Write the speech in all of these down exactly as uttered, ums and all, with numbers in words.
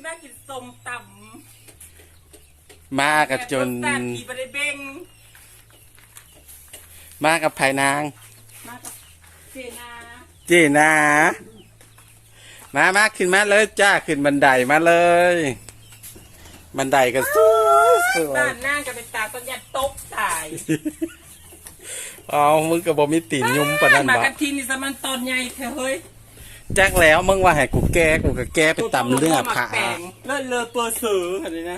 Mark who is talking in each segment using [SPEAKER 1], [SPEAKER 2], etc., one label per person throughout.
[SPEAKER 1] มากินส้มต
[SPEAKER 2] ำมากับจน
[SPEAKER 1] ขี่ไปได้เบ่ง
[SPEAKER 2] มากับไผ่นาง
[SPEAKER 1] มากับเจนา
[SPEAKER 2] เจนามามาขึ้นมาเลยจ้าขึ้นบันไดมาเลยบันไดก็สวย
[SPEAKER 1] บ้านนางก็เป็นตาต้นยันตกตาย
[SPEAKER 2] อ๋อมึงก็บอกมีตีนยุ่มปะนั่น
[SPEAKER 1] บ่มากันทีนี่สมันตอนใหญ่เธอเฮ้ย
[SPEAKER 2] แจ็คแล้วมึงว่าให้กูแก้กูก็แก้ไปตำเรื่องผ่า
[SPEAKER 1] เลิศเลอตัวสืออะไรนะ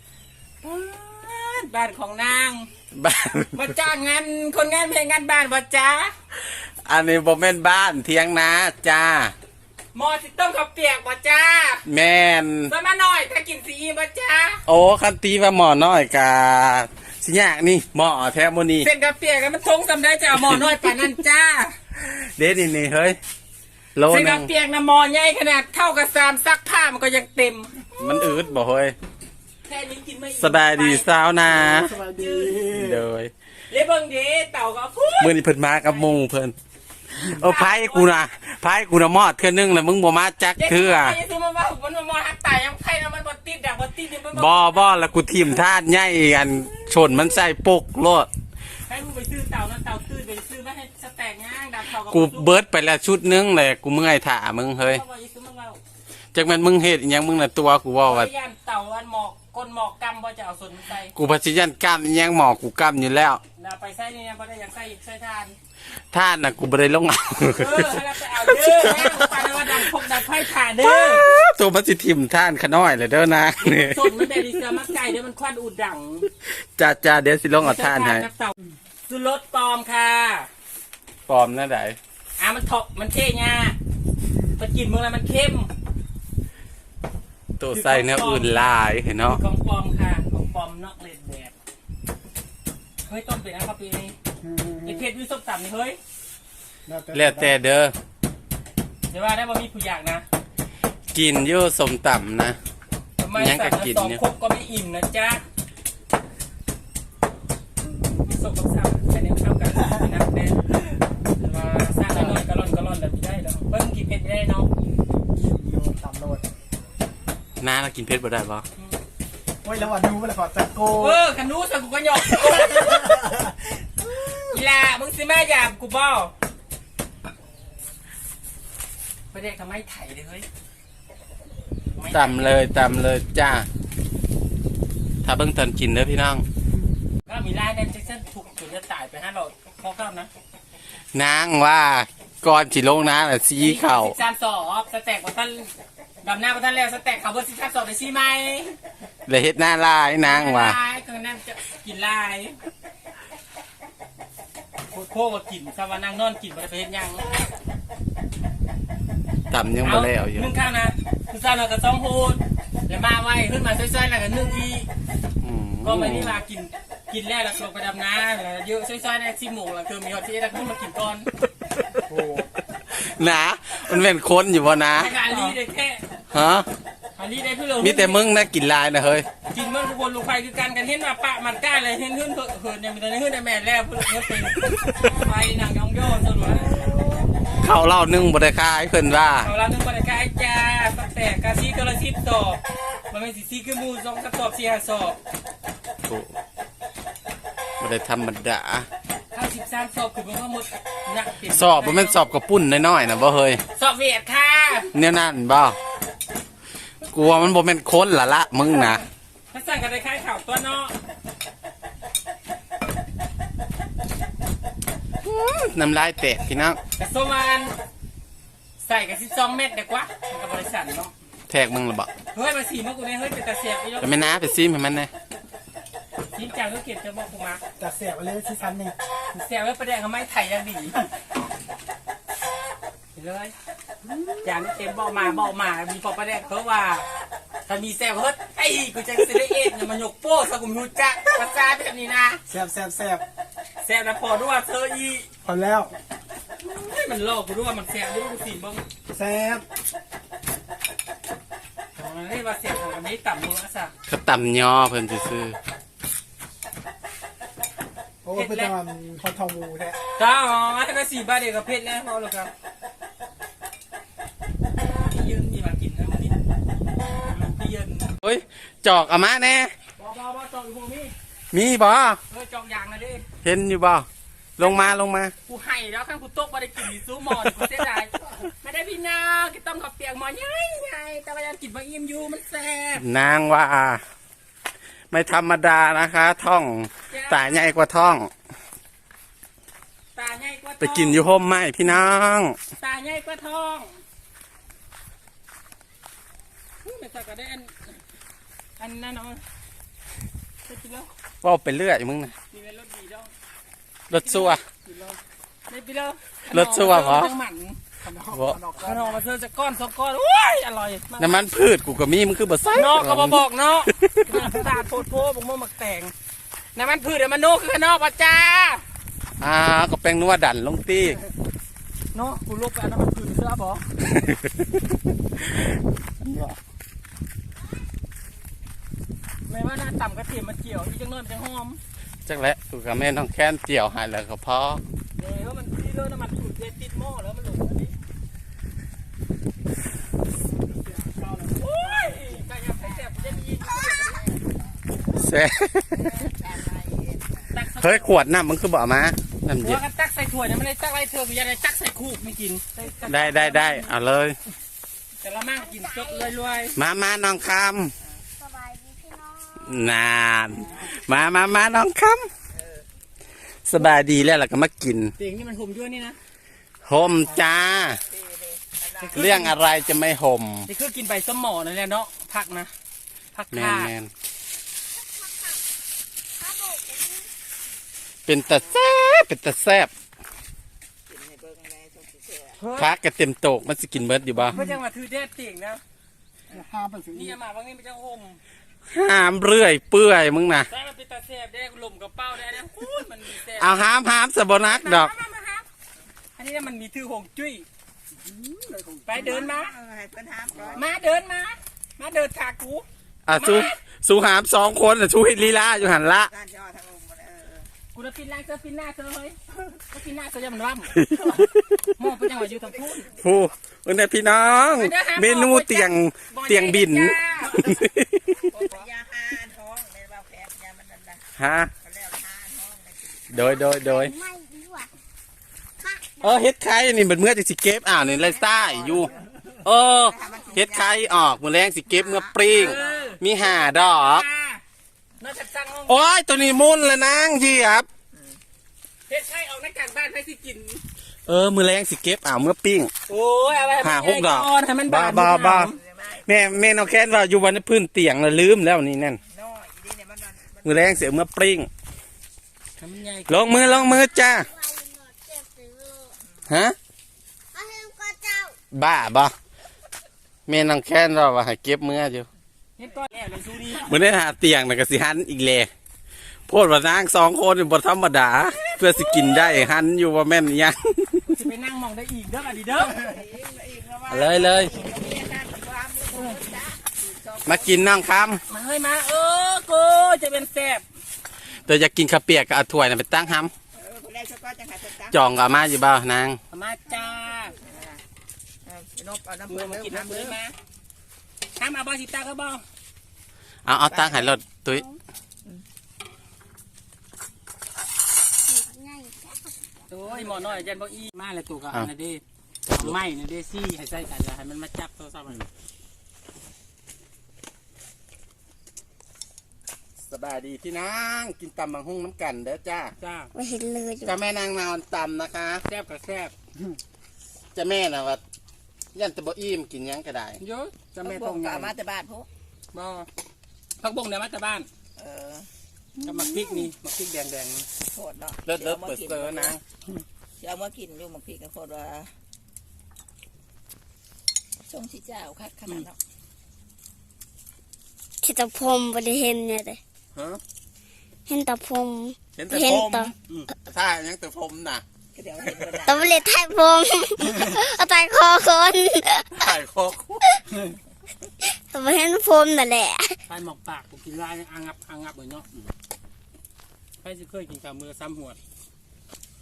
[SPEAKER 1] บ้านของนาง
[SPEAKER 2] บ้าน
[SPEAKER 1] มาจ้างงานคนงานเพลงงานบ้านบ่จ้า
[SPEAKER 2] อันนี้บ่แม่นบ้านเทียงนาจ้า
[SPEAKER 1] หมอสิต้มข้าวเปียกบ่จ้า
[SPEAKER 2] แม่น
[SPEAKER 1] สมาหน่อยถ้ากินซีบ่จ้า
[SPEAKER 2] โอ้คันตีว่าหมอน้อยกาสิยากนี่หมอแท้โมนี่
[SPEAKER 1] เส้นข้าวเปียกมันทงสำได้จ้าหมอน้อยป่านนั้นจ้า
[SPEAKER 2] เด็ดนี่นี่เฮ้ย
[SPEAKER 1] โลนึงเส้นข้าวเปียกนะหมอใหญ่ขนาดเท่ากับซามซักผ้ามันก็ยังเต็ม
[SPEAKER 2] มันอืดบ่เฮ้ย
[SPEAKER 1] แค่นี้กินไม่
[SPEAKER 2] สบายดีสาวนา
[SPEAKER 1] สบายดี
[SPEAKER 2] เลย
[SPEAKER 1] เลยเบิ่งเด้เต่าก็พูด
[SPEAKER 2] มื้อนี้เพิ่นมากับมุงเพิ่นเออไผกูน่ะไผกูน่ะมอดเทื่อนึงแล้วมึงบ่มาจักเทื่อ
[SPEAKER 1] ไอ้ซุมันว่ามันมอดหักตายยังไผแล้วมันบ่ติดดักบ่ติดนี่
[SPEAKER 2] บ่บ่แล้วกูทิ่มทาดใหญ่อันชนมันใส่ปกโลด
[SPEAKER 1] ให้มึงไปซื้อเต่านั้นเต่าตื้อไปซื้อมาให้สแต็กย่างดักเต่า
[SPEAKER 2] กูเบิดไปแล้วชุดนึงแหละกูเมื่อยถ่ามึงเฮ้ยจักแม่นมึงเฮ็ดอีหยังมึงน่ะตัวกูว่าว่า
[SPEAKER 1] ย่านเต่าอันหมอกก้นหมอกกำบ่จะเอาสนใส่
[SPEAKER 2] กูพสิยันกล้ามอีหยังหมอกกูกล้ามอยู่แล้ว
[SPEAKER 1] น่ะไปใส่นี่บ่ได้อยากใส่ใส่ทาน
[SPEAKER 2] ทานน่ะกูบ่ได้ลงเอา
[SPEAKER 1] เออให้เราไปเอาเด้อแม่ไปว่าดังพกดังไผถ่าเด้อ
[SPEAKER 2] ตัวมันสิทิ่มท่านขน้อยเลยเด้อนะนี่
[SPEAKER 1] สนมันได้ดิเสือมักไก่เด้อมันควันอุดดัง
[SPEAKER 2] จ้าๆเดี๋ยวสิลงเอาท่านให้
[SPEAKER 1] สุรสปลอมค่ะ
[SPEAKER 2] ปลอมนะได
[SPEAKER 1] อ่ะมันถกมันเท่ง่ามันกินมึงแล้วมันเข้ม
[SPEAKER 2] ตัวใส่เนื้ออื่นลายเห็นเนาะ
[SPEAKER 1] ของปลอมค่ะของปลอมนอกเลนแบบเฮ้ยต้มเป็ดนะครับปีนี้ไอเพชรวิสุทธิ์ต่ำนี่เฮ้ย
[SPEAKER 2] แล้วแต่เด้อ
[SPEAKER 1] เดี๋ยวว่าได้บ่มีผู้อยากนะ
[SPEAKER 2] กินเยอะสมต่ำนะ
[SPEAKER 1] ยังก็กินเนี่ยครบก็ไม่อิ่มนะจ๊ะส่งกับซ้ำแต่เนี่ยเข้ากันนะแน่ว่าสร้างน้อยๆกระล่อนกระล่อนแบบนี้ได้หรอเพิ่งกินเผ็ดได้เนาะ
[SPEAKER 3] ต่ำโลด
[SPEAKER 2] น้าเรากินเผ็ดบ่ได้ปะ
[SPEAKER 3] โอ้ยแล้ววันนู้นแล้วขอจัดโก้
[SPEAKER 1] เออขันนู้สักกูก็หยอกอีลามึงสิแม่หยาบกูบ่ประเด็กทำไมไถ่เลยเฮ้ย
[SPEAKER 2] ต่ำเลยต่ำเลยจ้าถ้าเบิ่งตอนกินเด้อพี่น้อง
[SPEAKER 1] ก็มีไล่แดนแจ็คสันถูกจุดจะตายไปฮะเราพอครับนะ
[SPEAKER 2] นางว่าก่อนสิลงน้ำน่ะซีเข่า
[SPEAKER 1] สามสอบสแต็กของท่านดำหน้าของท่านแล้วสแต็กเขาเบอร์สิบสามสอบได้ซีไหม
[SPEAKER 2] เลยเฮ็ดหน้าลายนางว่า
[SPEAKER 1] ลายคือนั่นจะกินลายโคตรโคตรกินสวรรค์นางนอนกินบริเวณยัง
[SPEAKER 2] ต่ำยังบ่แล้วอยู่
[SPEAKER 1] นึ่งข้าวนะคือซาหน่อยกับซองโฮดแล้วมาไว้ขึ้นมาซ้อยๆแล้วก็นึ่งอีก็ไม่ได้มากินกินแล้วแล้วลงไปดำน้ำเยอะซ้อยๆในสิบโมงแล้วคือมีฮอตที่ได้ขึ้นมากินก่อน
[SPEAKER 2] นะมันเป็นคนอยู่บ่นะ
[SPEAKER 1] อาลีได้แค่
[SPEAKER 2] ฮะ
[SPEAKER 1] อาลีได้เพื่อเรา
[SPEAKER 2] มีแต่มึงนะกินลายนะเฮ้ย
[SPEAKER 1] กินเมื่อทุกคนลงไปคือการกันเห็นว่าปะมันกล้าเลยเห็นขึ้นเหินเนี่ยมันตอนนี้ขึ้นได้แม่แล้วเพื่อเพื่อเป็นไฟหนังย่องย่อสรุป
[SPEAKER 2] เขาเล่านึ่งบริการเพิ่นว่า
[SPEAKER 1] เขาเล่านึ่งบริการจ้าแต่กาซีกระซิบตอบมันเป็นสีซีคือมูสองกระสอบเสียสอบ
[SPEAKER 2] บ่ได้ธรรมดา
[SPEAKER 1] ห้าสิบสามสอบคือมันก็หมดหนัก
[SPEAKER 2] สอบมันเป็นสอบกระปุ่นน้อยๆนะบ่เฮ้ย
[SPEAKER 1] สอบเวียดค่ะ
[SPEAKER 2] เนี่ยนั่นบ่กลัวมันบ่เป็นคนละละมึงนะ
[SPEAKER 1] ถ้าสั่งกันได้คล้ายข่าวตัวเนาะ
[SPEAKER 2] น้ำลายแตกพี่น้อง
[SPEAKER 1] กระสมันใส่กับสิบสองเม็ดเด็กวะกับบริษัทเนาะ
[SPEAKER 2] แทกมึงหรือเปล่า
[SPEAKER 1] เฮ้ยมาสีมากูเนี่ยเฮ้ยเป็นตาเสียบไปยก
[SPEAKER 2] ไม่น่าไปซีมให้มันเลย
[SPEAKER 1] ซีมจังก็เก็บจะบอกกูมา
[SPEAKER 3] ตาเสียบไปเลยซีซันนี่
[SPEAKER 1] เสียบไว้ประเดี๋ยวเขาไม่ไถ่ยังดีเลยจานเต็มเบามาเบามามีพอประเดี๋ยวเขาว่าถ้ามีแซวเฮ้ยไอ้กูจะเสียเอ็ดเนี่ยมันยกโป้สกุลหูจักภาษาแบบนี้นะ
[SPEAKER 3] แซบแซบแซบ
[SPEAKER 1] แซวแล้วพอด้วยเธออี
[SPEAKER 3] พอแล้ว
[SPEAKER 1] มันโลกกูด้วยมันแซวด้วยกูสีบ้ง
[SPEAKER 3] แซบ
[SPEAKER 1] นี่ว่าเสียของอันนี้ต่ำมืออ่ะสัก
[SPEAKER 2] เขาต่ำย่อเพิ่นซื้อ
[SPEAKER 3] โอ้เป็นตอนคอนทองมูแท้
[SPEAKER 1] จ้าอ๋อถ้าก็สี่บาทเดียวกับเพชรแล้วพอหรอกครับพี่ยืนมีมากินนะพี่พี่ยืน
[SPEAKER 2] เฮ้ยจอกเอามาแน่
[SPEAKER 1] บอบอบอจอกอยู่พวกนี้
[SPEAKER 2] มีบ่
[SPEAKER 1] เออจอกยางนะดิ
[SPEAKER 2] เห็นอยู่บ่ลงมาลงมา
[SPEAKER 1] กูให้แล้วข้างกูโต๊ะมาได้กินซูหมอนกูเสียดายไม่ได้พี่น้องกินต้มกับเปียกหมอนยังไงแต่ว่ายังกินบะอิ่มอยู่มันแซ่บ
[SPEAKER 2] นางว่า ไม่ธรรมดานะคะ ท่องตาใหญ่กว่าท่อง
[SPEAKER 1] ตาใหญ่กว่า
[SPEAKER 2] ไปกินอยู่ห่มไหมพี่น้อง
[SPEAKER 1] ตาใหญ่กว่าทองไม่ใส่กระเด็นอันนั้นเนาะไปกินแล้ว
[SPEAKER 2] ว่าไปเรื่อยมึงนะ
[SPEAKER 1] มีเป็นรถดีแล้ว
[SPEAKER 2] รถซัว
[SPEAKER 1] กินแล้วไม่ไปแล้ว
[SPEAKER 2] รสซัวเหรอ
[SPEAKER 1] จังหมัน
[SPEAKER 2] บ่
[SPEAKER 1] ขนมมาเจอจะก้อนสองก้อนโอ้ยอร่อยมาก
[SPEAKER 2] น้ำมันพืชกูก็มีมึงคือบ่ใส่
[SPEAKER 1] นอกก็มาบอกเนาะตาโพดโพบอกมั่วหมักแตงน้ำมันพืชเดี๋ยวมันโนคือข้างนอกป่ะจ้า
[SPEAKER 2] อ่าก็แป้งนัวดันลงตี
[SPEAKER 1] เนาะกูลุกไปเอาน้ำมันพืชเสื้อบอกไม่ว่าหน้าต่ำกระเทียมมันเกี่ยวอีจังน้อยมันจะหอม
[SPEAKER 2] จังแหละกูกับแม่น้องแค้นเจียวใหายแล้วก็พอ
[SPEAKER 1] เดี๋ยวมันที่เรื่องน้ำมันพืชเด็ดติดหม้อแล้วมันหลงอันนี้โอ้ยไก่ย่างไก่แซ่บจะมี
[SPEAKER 2] แซ่เฮ้ยขวดน้ำมึงคือบ่เอามาน้ำ
[SPEAKER 1] หั
[SPEAKER 2] เย็
[SPEAKER 1] วน กันตักใส่ถ้วยเนี่ยมันเลยตักไรเธอกูยังได้ตักใส่คูกไม่กิน
[SPEAKER 2] ได้ได้ได้เอาเลย
[SPEAKER 1] แต่ละมั่งกินจบเลยรวย
[SPEAKER 2] มามาน้องค
[SPEAKER 4] สบายดีพี่น้อง
[SPEAKER 2] ำนานมามามาน้องคำสบายดีแล้วล่ะก็มากิน
[SPEAKER 1] เสียงนี่มันห่มด้วยนี่นะ
[SPEAKER 2] ห่มจ้า เรื่องอะไรจะไม่ห่ม
[SPEAKER 1] นี่คือกินใบสมอนั่นแหละเนาะผักนะผัก
[SPEAKER 2] แม
[SPEAKER 1] ข่าน
[SPEAKER 2] แมน
[SPEAKER 4] ข้าวโบกเป็น
[SPEAKER 2] เป็นตะแซ่บเป็นตะแซ่บพักกระเต็มโตกมันสิกินเบิดอยู่บ่
[SPEAKER 1] เพื่อจังหวะถือเด็ดเตียงนะ
[SPEAKER 3] ห้ามไปสิ
[SPEAKER 1] นี่มาบางนี่มันจะห่ม
[SPEAKER 2] ห้ามเรื่อยเปื่อยมึงนะ
[SPEAKER 1] แต่มันเป็นตาแซ่บได้ลมกับเป้าได้นะพูดมันมีแซ่บ
[SPEAKER 2] เอาห้ามห้ามสะบนักดอก
[SPEAKER 1] มามาครับอันนี้มันมีถือหงจุ้ยไปเดินมามาเดินมา มาเดินขากู
[SPEAKER 2] อ่ะสู้สู้หามสองคนอ่ะสู้ฮิตลีลาอยู่หันละ
[SPEAKER 1] กูจะปินล่างเธอปินหน้าเธอเฮ้ยก็ปินหน้าเธอจะมันร่ำหม้อเป็นจังหวะอยู่ทางพูด
[SPEAKER 2] ผู้วันนี้พี่น้อง เมนูเตียงเตียงบิน
[SPEAKER 5] ยาหาท้องในบ่าแผลยามันนั่นนะ
[SPEAKER 2] ฮะ
[SPEAKER 5] เขาเรียกหาท้องใน
[SPEAKER 2] โดยโดยโดย
[SPEAKER 4] ไม่ดีกว่า
[SPEAKER 2] เออเฮ็ดไข่นี่เป็นเมื่อจะสิเก็บอ่าวนี่ไรซ่าอยู่เออเฮ็ดไข่ออกมือแรงสิเก็บเมื่อปริงมีห่าดอก
[SPEAKER 1] น่าจะสั่งห้อง
[SPEAKER 2] โอ้ยตัวนี้มุนแล้วนางเจียบ
[SPEAKER 1] เฮ็ดไข่ออกหน้ากากบ้านให้สิกิน
[SPEAKER 2] เออมือแรงสิเก็บอ่าวเมื่อปิ้ง
[SPEAKER 1] โอ้ยเอาไว้
[SPEAKER 2] หาหกดอก
[SPEAKER 1] ให้มัน
[SPEAKER 2] บ้า
[SPEAKER 1] บาน
[SPEAKER 2] บ้าบ้าแม่แม่น้องแค้นว่าอยู่วันนี้พื้นเตียงแล้วลืมแล้วนี่นั่น
[SPEAKER 5] น้อยอีนี่เนี่ยมันนั่นมัน
[SPEAKER 2] มือแรงเสียเมื่อปริง
[SPEAKER 1] ทำไง
[SPEAKER 2] ลงมือลงมือจ้า
[SPEAKER 4] ไว้หนอดเจ็บซื้อโล
[SPEAKER 2] ฮะ
[SPEAKER 4] เอาให้ลูกก็เจ้า
[SPEAKER 2] บ้าบ่แม่น้องแค้นเราว่าให้เก็บมืออยู่
[SPEAKER 1] เฮ็ดก้อนแล้วเลยซูนี่
[SPEAKER 2] มือได้หาเตียงน่ะก็สิหันอีกแลโพดว่านางสองคนนี่บ่ธรรมดา เพื่อสิกินได้หันอยู่ว่าแม่นอิหยัง
[SPEAKER 1] จะไปนั่งมองได้อีกเด้ออะดีเด้อ
[SPEAKER 2] เลยเลยมากินน้องค
[SPEAKER 1] มาเฮ้ยมาเออโกจะเป็นแซ่บ
[SPEAKER 2] ำตัวอยากกินข้าวเปียกก็เอาถ้วยน่ะไปตั้งห้
[SPEAKER 5] เออคนแรกก็จังหาจัง
[SPEAKER 2] ำจองก็เอามาอยู่บ่นาง
[SPEAKER 1] เอามาจ้า
[SPEAKER 5] เออนบเอาน้ำ
[SPEAKER 1] เมื่
[SPEAKER 5] เพื่
[SPEAKER 1] อ
[SPEAKER 5] อน
[SPEAKER 1] มากินน้ำ
[SPEAKER 5] เพื่
[SPEAKER 1] เล
[SPEAKER 5] อย น
[SPEAKER 1] มาห้ามเอาบอสิตาก็บอ
[SPEAKER 2] เอาเอาตั้งให้รถตุ้ย
[SPEAKER 4] ง่าย
[SPEAKER 1] โอ้ยหมอน้อยยันบออีมาเลยตัวกับอันนั้นเด้เอาไม้นะเด้ซี่ให้ใส่กันแล้วให้มันมาจับโทรศัพท์มัน
[SPEAKER 2] สบายดีพี่นางกินตำบังหุ่งน้ำกันเด้อจ้า
[SPEAKER 1] จ้า
[SPEAKER 4] ไม่เห็นเลย
[SPEAKER 2] จ้าแม่นางนอนตำนะคะ
[SPEAKER 1] แซ่บกับแซ่บ
[SPEAKER 2] จ้าแม่น่ะว่ายันแตะบ่อิ่มกินหยังก็ได้
[SPEAKER 1] เยอะจะ
[SPEAKER 5] จะ
[SPEAKER 1] ไม่
[SPEAKER 5] ไม่
[SPEAKER 1] ต้
[SPEAKER 5] ต้
[SPEAKER 1] อ
[SPEAKER 5] อง ง
[SPEAKER 1] ไง
[SPEAKER 5] กามาแต่บ้านพวก
[SPEAKER 1] บอพักบงเดี๋ยวมาจากบ้าน
[SPEAKER 5] เออ
[SPEAKER 1] กับมักพริกนี่มักพริกแดงแดง
[SPEAKER 5] โคตรเนาะ
[SPEAKER 2] เลิศเลิศเปิดเซอร์นาง
[SPEAKER 5] จะเอามากินอยู่บางทีก็โคตรว่าช่วงที่เจ้าคัดขนาดเนาะ
[SPEAKER 4] ที่ตะพรมบริเห็นเนี่ยเลย
[SPEAKER 2] ฮะ
[SPEAKER 4] เห็นตะพรม
[SPEAKER 2] เห็นแต่
[SPEAKER 4] เห็
[SPEAKER 2] ผ
[SPEAKER 4] น
[SPEAKER 2] ม
[SPEAKER 4] ต่อ
[SPEAKER 2] อืมถ้ายังแต่ผมน่ะ
[SPEAKER 5] ก็เดี๋ยวเห็นกัน
[SPEAKER 4] ตะบริไทยพรมเอาไตคอคน
[SPEAKER 2] ถ่ายคอคุ
[SPEAKER 4] ตะบริเห็นพรมนั่นแหละ
[SPEAKER 1] ๆไปหมอกปากผมกินลายอ่างงับอ่างงับเหมือนเนาะไปสิเคยกินกับมือซ้ำหัว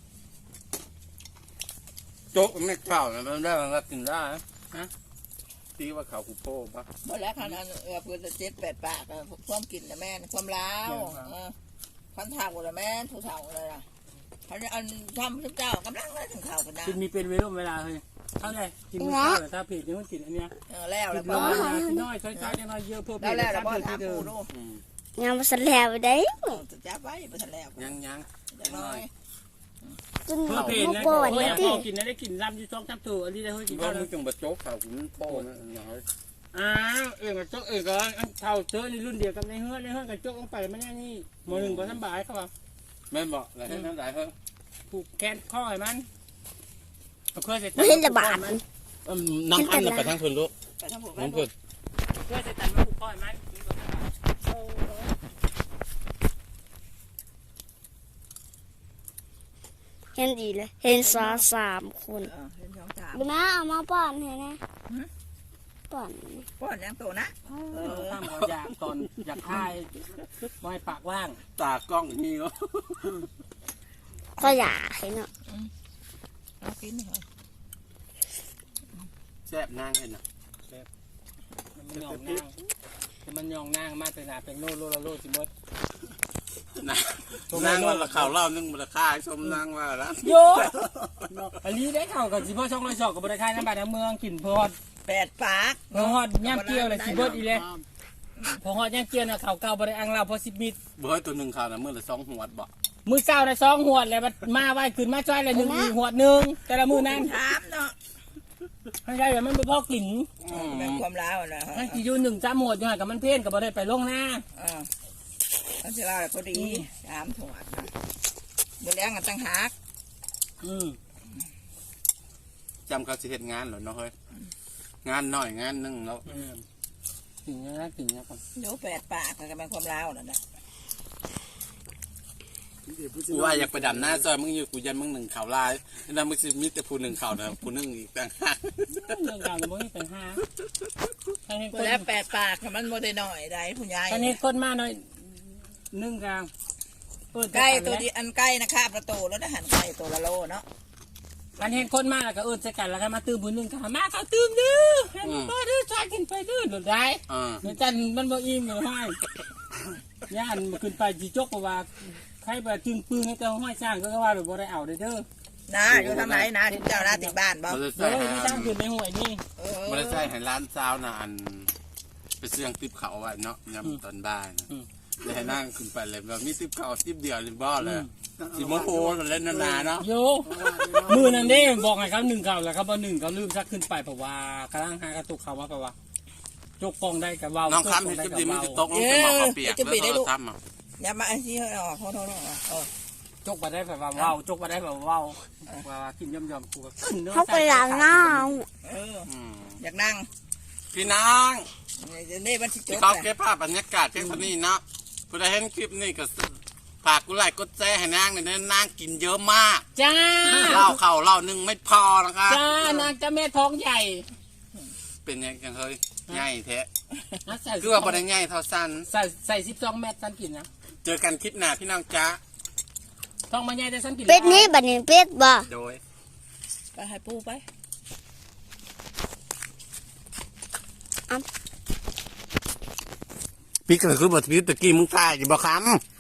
[SPEAKER 2] โจ๊กไม่เข้านะมันได้มันก็กินได้
[SPEAKER 1] ฮะ
[SPEAKER 2] ตีว่าเขาคูโป้ปะ
[SPEAKER 5] หมดแล้วคันอันเออเพื่อนเจ็ดแปดปากอะความกินนะแม่นความล้าวเออพันเท่าละแม่นผู้เท่าเลยล่ะพันอันทำทุกเจ้ากำลังเลยถึงข่าวกันนะ
[SPEAKER 1] กินมีเป็นเวลาเวลาเลยเท่าไหร่กินมื้อเช้าแต่ถ้าผิดนี่มันกินอันเนี้ย
[SPEAKER 5] เออแล้ว
[SPEAKER 1] กิ
[SPEAKER 5] แล้ว
[SPEAKER 1] น
[SPEAKER 5] บ่
[SPEAKER 1] น้อยกินน้อยช้อยๆน้อยเยอะเพิ่ม
[SPEAKER 5] แล้วแล้วแล้วบ่
[SPEAKER 1] เพิ่ม
[SPEAKER 5] ถาม
[SPEAKER 1] เดิ
[SPEAKER 5] ปู
[SPEAKER 1] ม
[SPEAKER 5] ดู
[SPEAKER 4] งานมาสันแล้วได้
[SPEAKER 5] จะจับไว้บ่ทันแล้ว
[SPEAKER 2] ยังยัง
[SPEAKER 5] จังน้อย
[SPEAKER 4] จน
[SPEAKER 1] เพิ่ม
[SPEAKER 4] มา
[SPEAKER 1] เพลนนะ
[SPEAKER 4] ป่วน
[SPEAKER 1] โอ้ย
[SPEAKER 4] เนี่ย
[SPEAKER 1] พ
[SPEAKER 4] ติ
[SPEAKER 1] อกินได้กินลำอยู่สองสามตัวอันนี้ได้เฮ้ยกิน
[SPEAKER 2] ก็
[SPEAKER 1] ข้าว
[SPEAKER 2] มึ
[SPEAKER 1] แล้
[SPEAKER 2] ง
[SPEAKER 1] ว
[SPEAKER 2] จังบะโจ๊กเขาคุณโป้นะน้อย
[SPEAKER 1] อ้าวเองกับโจ๊กเองก็เท่าเจอในรุ่นเดียวกับในเฮือนในเฮือนกับโจ๊กลงไปมันแน่นี่หมอหนึ่งก็สบายเขาว่า
[SPEAKER 2] แม่บอกอะไรให้นั่นหลายเฮ้ย
[SPEAKER 1] ผูกแขนข้อให้มันเคยเสร็จ
[SPEAKER 4] ไม่เห็นระบาด
[SPEAKER 2] น้ำอันน่ะไปทางคนลูก
[SPEAKER 5] ไปทำบุญ
[SPEAKER 2] น้องเพิ่น
[SPEAKER 1] เคยเสร็จตันมาผูกข้อให้มัน
[SPEAKER 4] เห็นดีเลย เห็นสาสามคน
[SPEAKER 5] เออเห็นสองสาม
[SPEAKER 4] ดูนะเอามาป้อนเห็นไหมป้อน
[SPEAKER 5] ป้อนยังโตนะ
[SPEAKER 1] เออตั้งหัวอยากตอนอยากคายมอยปากว่าง
[SPEAKER 2] ตากล้องนี่เนาะ
[SPEAKER 4] ก็อยากเห็นเนาะ
[SPEAKER 5] เอากินเหรอ
[SPEAKER 2] แซ่บนางเห็นนะ
[SPEAKER 1] มันยองนางมันยองนางมาแต่หนาเป็นโลโลโลจิมด
[SPEAKER 2] นะนางว่าละข่าวเล่านึงมูลค่าชมนางว่าละ
[SPEAKER 1] โยอันนี้ได้ข่าวกับสิพ่อช่องร้อยสองกับบริการน้ำบาดน้ำเมืองกินพอด
[SPEAKER 5] แปดปาก
[SPEAKER 1] พอฮอดย่ำเกี้ยวเลยสิเบิดอีเลยพอฮอดย่ำเกี้ยวนะข่าวเก่าบริอังเราพอสิบมิตร
[SPEAKER 2] เบอร์ตัวหนึ่งข่าวนะเมื่อละสองหัวบ่
[SPEAKER 1] มือเศร้าได้สองหัวดเลยมาไว้ขึ้นมาจ้อยเลยหนึ่งอีกหัวหนึ่งแต่ละมือนั้น
[SPEAKER 5] ถามเนาะ
[SPEAKER 1] ให้ได้แบบมันไปพ่อกิน
[SPEAKER 5] เป็นความล้าวนะฮะ
[SPEAKER 1] ให้อยู่หนึ่งจ้าหัวอยู่ห่างกับมันเพี้ยนกับบริไปลงหน้า
[SPEAKER 5] อ่าเขาจะเล่าพอดีถามถวดนะเดี๋ยวเลี้ยงกันตั้งหัก
[SPEAKER 1] อืม
[SPEAKER 2] จำเขาสิเหตุงานเหรอเนาะเฮ้ยงานหน่อยงานหนึงแล้ว
[SPEAKER 1] ถึงนะถึงนะครับ
[SPEAKER 5] เดี๋ยวแปดปากก็เป็นความล้าวนั่นแหละ
[SPEAKER 2] กูว่าอยากไปดำหน้าซอยมึงอยู่กูยันมึงหนึ่งข่าวลายแล้วมึงสิมีแต่ผู้หนึ่งข่าวนะผู้หนึ่งอีกต่างหาก
[SPEAKER 1] เรื่องราวมันไม่เป็นห้าท่านเห็นคน
[SPEAKER 5] แล้วแปดปากมันโมได้หน่อยได้ผู้ใหญ่
[SPEAKER 1] ท่านเห็นคนมาหน่อยนึ่งกลาง
[SPEAKER 5] ใกล้ตัวดีอันใกล้นะคาประตูแล้วทหารใกล้ตัวละโลเนาะ
[SPEAKER 1] ท่านเห็นคนมาแล้วก็เอิญใส่กันแล้วก็มาตื่มผู้หนึ่งก็มาเขาตื่มดื้อให้มันก็ดื้อชายกินไปดื้อหลุดได้
[SPEAKER 2] อ่า
[SPEAKER 1] เดี๋ยวจันมันบ่อิ่มเลยให้ย่านมาขึ้นไปจีจกเพราะว่าใครไปจึงปืนให้เจ้าห้อยสร้างก็ว่าหรือบ่ได้เอาเด้อเด้อ
[SPEAKER 5] นะอยู่ทางไหนนะที่เจ้าหน้าติดบ้านบ่
[SPEAKER 2] มันจะ
[SPEAKER 1] เฮ้
[SPEAKER 2] ใส่
[SPEAKER 1] ยที่สร้างขึ้นในห่วยนี่
[SPEAKER 5] เออ
[SPEAKER 2] มันจะใส่ให้ร้านเช้านะอันไปเสื่องติบเขาไว้เนาะยามตอนบ่ายนะเลยให้นั่งขึ้นไปเลยแบบมีติบเขาติบเดียวเลยบ่เลยสิโมโหมันเล่นนานๆเนาะ
[SPEAKER 1] โยมือนั่นเด้บอกให้เขาหนึ่งเขาแล้วเขาบ่หนึ่งเขาลืมซักขึ้นไปเพราะว่ากำลังหากระตุกเขามาเพราะว่าจกฟองได้กับเว้า
[SPEAKER 2] น้องคำเห็น
[SPEAKER 1] จ
[SPEAKER 2] จิ
[SPEAKER 1] ก
[SPEAKER 2] บ
[SPEAKER 1] ฟ
[SPEAKER 2] ดี
[SPEAKER 1] อง
[SPEAKER 2] มัน
[SPEAKER 1] ได้
[SPEAKER 2] จะ
[SPEAKER 1] กับ
[SPEAKER 2] ต
[SPEAKER 1] เว้าก
[SPEAKER 2] ลงจะมาเปียกแล้วก็ทำอ่ะ
[SPEAKER 5] อย่ามาไอ้ที่ออกโทษโทษเออ
[SPEAKER 1] จกมาได้แบบว่าเว้าจกมาได้แบบว่าเว้าว่ากินย่อมๆกูก็ขึ้นเนื้อ
[SPEAKER 4] เขาไปล้างหน้า
[SPEAKER 5] เอออยากนั่ง
[SPEAKER 2] พี่น้อง
[SPEAKER 5] นี่มันสิจ
[SPEAKER 2] ที่
[SPEAKER 5] บ
[SPEAKER 2] เขาเก็บภาพบรรยากาศเพียงเท่านี้เนาะผู้ใดเห็นคลิปนี้ก็ฝากกูไลค์กดแชร์ให้นางหน่อยนะนางกินเยอะมาก
[SPEAKER 1] จ้า
[SPEAKER 2] เหล้าเข่าเหล้าหนึ่งไม่พอนะคะ
[SPEAKER 1] จ้านางจะแม่ท้องใหญ่
[SPEAKER 2] เป็นยังไงเฮ้ยใหญ่แท้
[SPEAKER 1] นะใส่
[SPEAKER 2] คือว่าบ่ได้ใหญ่เท่าสั้น
[SPEAKER 1] ใส่ใส่สิบสองเม็ดสันกินนะ
[SPEAKER 2] เจอกันคลิปหน้าพี่น้องจ้า
[SPEAKER 1] ท้องมาใหญ่แต่สันกิน
[SPEAKER 4] เป็ดนี้บัดนี้เป็ดบ่
[SPEAKER 2] โดย
[SPEAKER 5] ไปให้ปูไป
[SPEAKER 2] พี่ก็คือบ่ทีตะกี้มึงตายอยู่บ่คำ